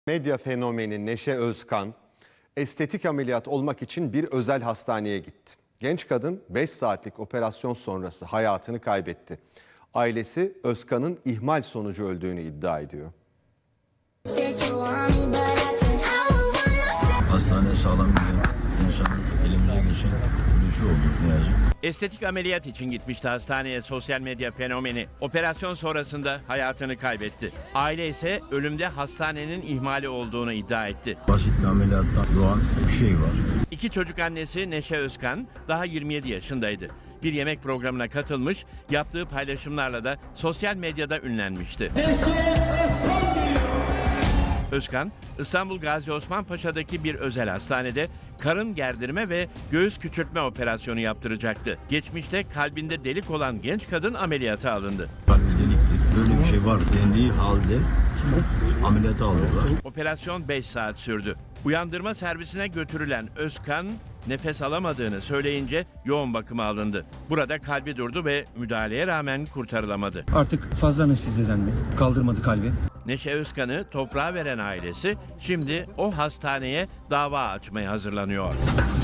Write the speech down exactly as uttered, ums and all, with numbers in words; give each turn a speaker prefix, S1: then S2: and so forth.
S1: Medya fenomeni Neşe Özkan, estetik ameliyat olmak için bir özel hastaneye gitti. Genç kadın beş saatlik operasyon sonrası hayatını kaybetti. Ailesi Özkan'ın ihmal sonucu öldüğünü iddia ediyor.
S2: Hastaneye sağlam giden insanın elimize geçen bir şey oldu ne yazık.
S3: Estetik ameliyat için gitmişti hastaneye sosyal medya fenomeni. Operasyon sonrasında hayatını kaybetti. Aile ise ölümde hastanenin ihmali olduğunu iddia etti.
S2: Basit bir ameliyattan doğan bir şey var.
S3: İki çocuk annesi Neşe Özkan daha yirmi yedi yaşındaydı. Bir yemek programına katılmış, yaptığı paylaşımlarla da sosyal medyada ünlenmişti. Özkan, İstanbul Gazi Osman Paşa'daki bir özel hastanede karın gerdirme ve göğüs küçültme operasyonu yaptıracaktı. Geçmişte kalbinde delik olan genç kadın ameliyata alındı.
S2: Kalbi delikti. Böyle bir şey var dendiği halde ameliyata alıyorlar.
S3: Operasyon beş saat sürdü. Uyandırma servisine götürülen Özkan nefes alamadığını söyleyince yoğun bakıma alındı. Burada kalbi durdu ve müdahaleye rağmen kurtarılamadı.
S4: Artık fazla anesteziden mi? Kaldırmadı kalbi.
S3: Neşe Özkan'ı toprağa veren ailesi şimdi o hastaneye dava açmaya hazırlanıyor.